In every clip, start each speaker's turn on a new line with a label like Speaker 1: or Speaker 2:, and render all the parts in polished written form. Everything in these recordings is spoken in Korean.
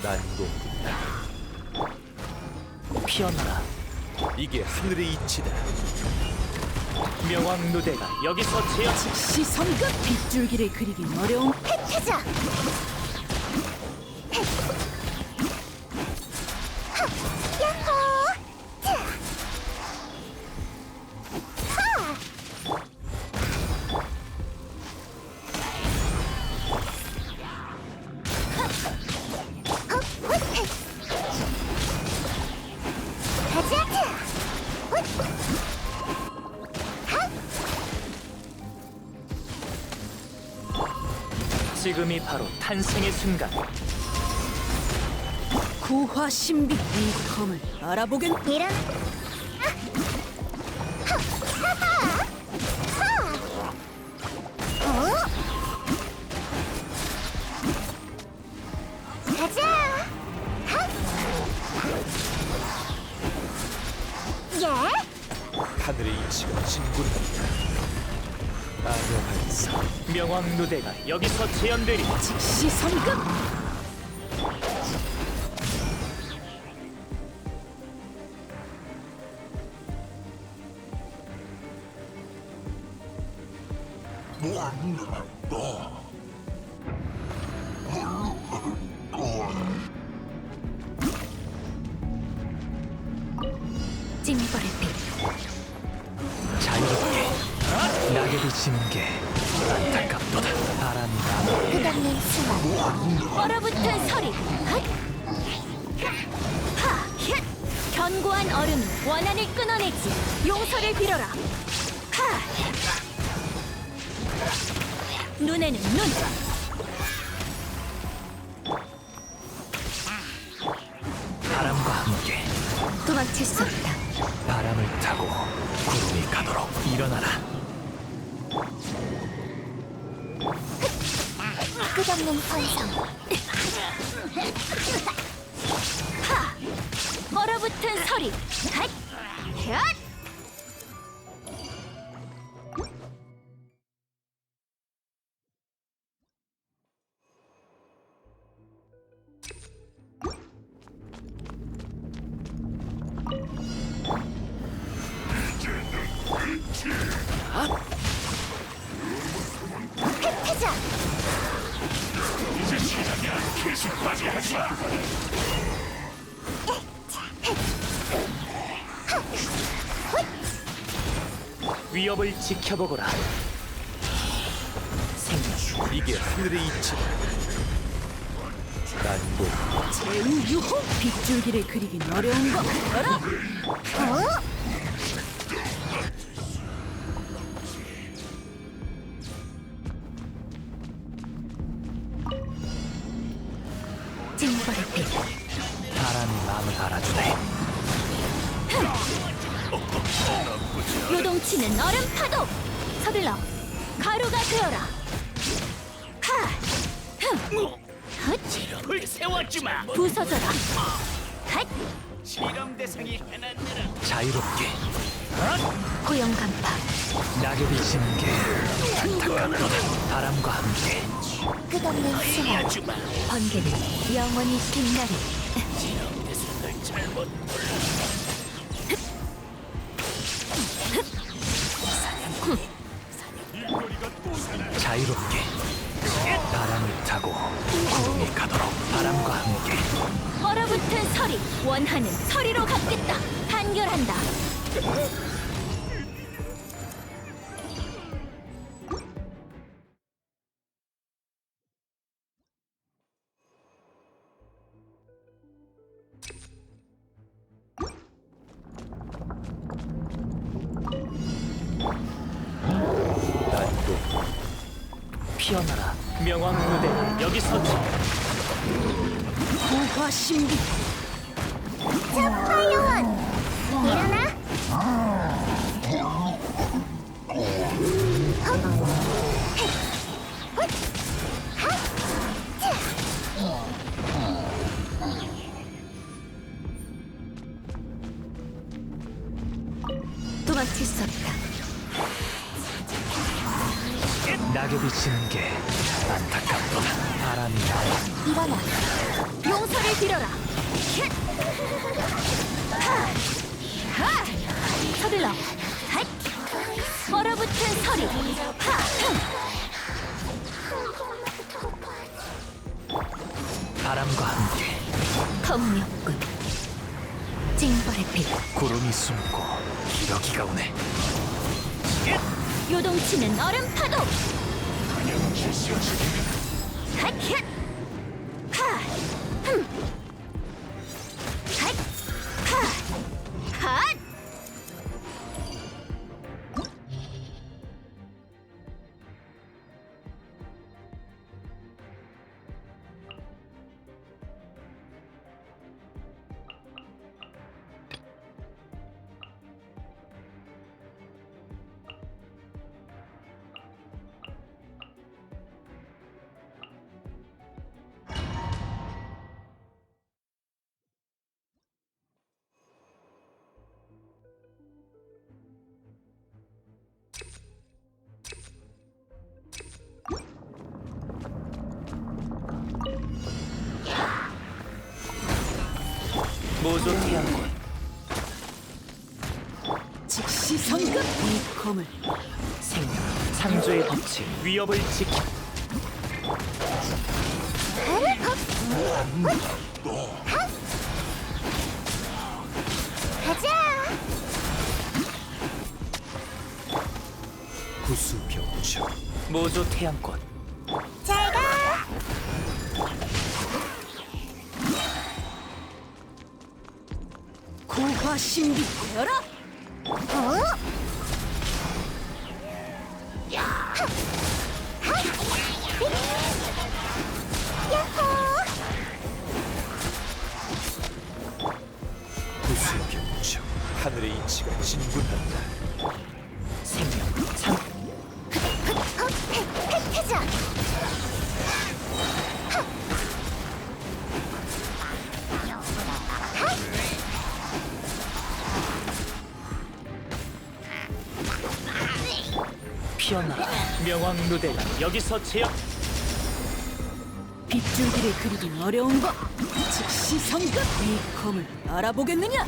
Speaker 1: 난공
Speaker 2: 피어나라.
Speaker 1: 이게 하늘의 이치다.
Speaker 2: 명왕누대가 여기서 제어.
Speaker 3: 즉시 성급. 빗줄기를 그리긴 어려운 획하자. 야호!
Speaker 2: 지금이 바로 탄생의 순간.
Speaker 3: 구화 신비. 이 검을 알아보겐.
Speaker 4: 이런 가자. 예?
Speaker 1: 하늘의 이치가 진군한다. 아녀한사
Speaker 2: 명왕누대가 여기서 재현되리.
Speaker 3: 즉시 성급. 찡벌의 빛.
Speaker 2: 자유롭게 낙엽이 지는 게 안타깝도다. 바람이 나무.
Speaker 4: 끝없는 수만
Speaker 3: 얼어붙은 서리. 핫! 하! 힛! 견고한 얼음이 원한을 끊어내지. 용서를 빌어라. 하! 눈에는 눈.
Speaker 2: 바람과 함께
Speaker 3: 도망칠 수 없다.
Speaker 2: 바람을 타고 구름이 가도록 일어나라.
Speaker 4: 끝없는 환상
Speaker 3: 하! 얼어붙은 서리. 핫! 헷!
Speaker 4: 획하자.
Speaker 2: 위협을 지켜보거라. 생명.
Speaker 1: 이게 하늘의 이치다. 난공
Speaker 3: 제우유호. 빗줄기를 그리긴 어려운 거 알아? 찡벌의 빛.
Speaker 2: 바람이 마음을 알아주네.
Speaker 3: 요동치는 얼음 파도. 서둘러 가루가 되어라. 하! 흠! 헛!
Speaker 2: 불 세워주마.
Speaker 3: 부서져라. 핫!
Speaker 2: 실험 대상이 해놨느라. 자유롭게
Speaker 3: 고용 간파.
Speaker 2: 낙엽이 지는 게 안타깝도다. 바람과 함께
Speaker 4: 끝없는 수만
Speaker 2: 주마.
Speaker 3: 번개는 영원히 빛나리.
Speaker 2: 실험 대상을 잘못 자유롭게 바람을 타고 구름이 가도록 바람과 함께
Speaker 3: 얼어붙은 서리. 원하는 서리로 갚겠다. 단결한다.
Speaker 1: 난공
Speaker 2: 피어나라. 명왕누대가 여기서
Speaker 3: 구화 신비.
Speaker 4: 화요원 일어나.
Speaker 3: 도망칠 수 없다.
Speaker 2: 낙엽이 지는 게 안타깝도다. 바람이 나와.
Speaker 4: 일어나.
Speaker 3: 용서를 빌어라. 힛! 하! 하! 서둘러. 핫! 얼어붙은 서리. 하!
Speaker 2: 바람과 함께
Speaker 3: 검역군. 징벌의 빛.
Speaker 2: 구름이 숨고 기러기가 오네.
Speaker 3: 요동치는 얼음 파도. 핫! 힛! 하! 흠! 핫! 하! 핫!
Speaker 2: 모조 태양권.
Speaker 3: 즉시 성급. 이 검을
Speaker 2: 생명 창조의 빛이 위협을 지키.
Speaker 4: 가자.
Speaker 1: 구수병청.
Speaker 2: 모조 태양권.
Speaker 4: 잘 가.
Speaker 3: 고화 신비 열어.
Speaker 4: 어? 야호.
Speaker 1: 구수병청. 하늘의 이치가 진군한다.
Speaker 2: 생명 창
Speaker 4: 혜자.
Speaker 2: 피어나라. 명왕 누대가 여기서 제압.
Speaker 3: 빗줄기를 그리긴 어려운 법. 즉시 성급. 이 검을 알아보겠느냐?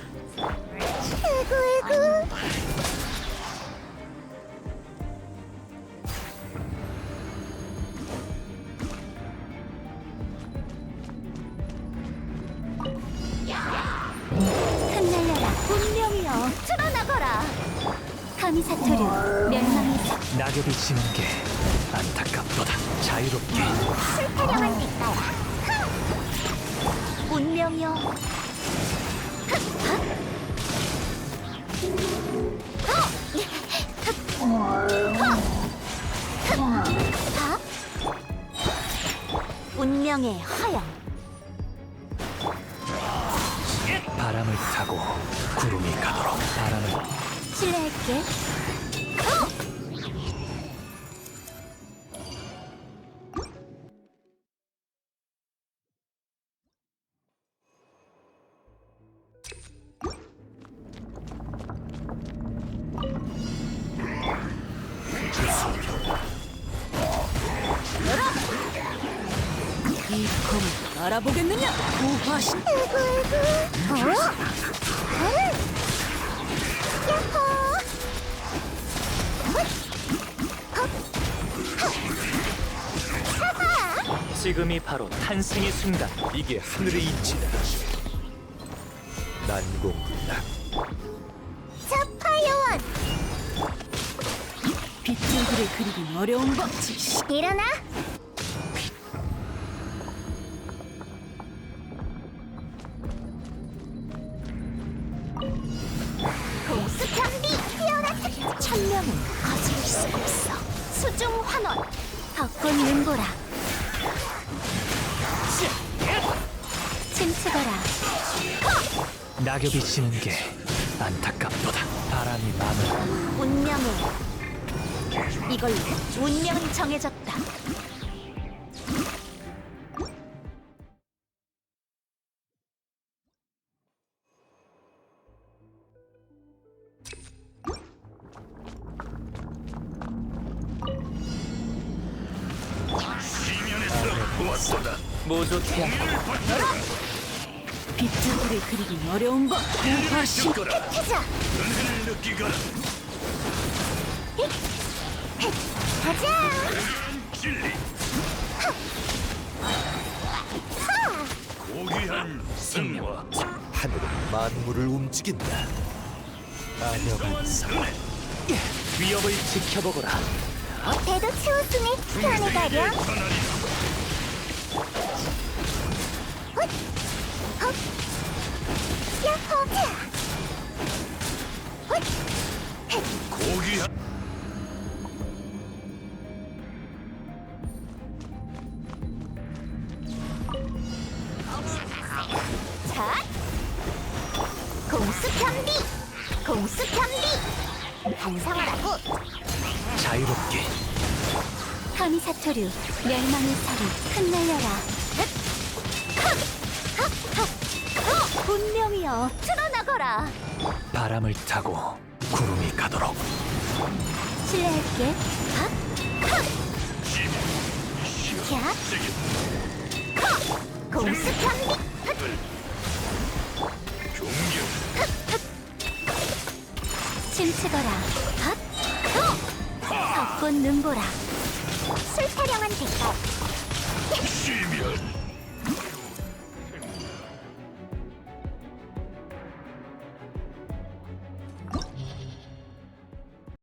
Speaker 4: 에구. 흩날려라. 운명이여 드러나거라. 가미사토류 멸망의
Speaker 2: 낙엽이 지는 게 안타깝도다. 자유롭게
Speaker 4: 술타령한 빛깔. 운명이여. 운명의 허영.
Speaker 2: 바람을 타고 구름이 가도록. 바람을
Speaker 4: 실례할게.
Speaker 3: 이 검을 알아보겠느냐? 고화 신.
Speaker 4: 에구. 어? 야호.
Speaker 2: 지금이 바로 탄생의 순간.
Speaker 1: 이게 하늘의 이치다. 난공불락.
Speaker 4: 자파요원.
Speaker 3: 빗줄기를 그리긴 어려운 법. 즉시
Speaker 4: 일어나. 공수 경비 피어나. 천명은 거스를 수 없어. 수중 환원. 벚꽃 눈보라. 춤추거라.
Speaker 2: 낙엽이 지는 게 안타깝도다. 바람이 마음을
Speaker 3: 운명의 이걸로 운명이 정해졌다.
Speaker 2: 모조 태양
Speaker 3: 빗자루를 그리긴 어려운 법. 고화신.
Speaker 4: 가자.
Speaker 1: 은혜를 느끼거라.
Speaker 4: 가자.
Speaker 1: 진리. 고귀한 승화. 하늘은 만물을 움직인다. 아녀간사.
Speaker 2: 위협을 지켜보거라.
Speaker 4: 대도 치웠으니 편히 가렴. 헛! 헛! 야호! 자! 헛!
Speaker 1: 고귀한
Speaker 4: 자! 공수 편비! 공수 편비! 반성하라고!
Speaker 2: 자유롭게
Speaker 4: 카미사토류 멸망의 살이 흩날려라. 흑! 헉! 헉! 헉! 분명히여 드러나거라.
Speaker 2: 바람을 타고 구름이 가도록
Speaker 4: 실례할게. 헉! 헉! 야! 헉! 공수 편비! 춤추거라. 헛! 헛! 벚꽃 눈보라. 술타령한 대가.
Speaker 1: 시면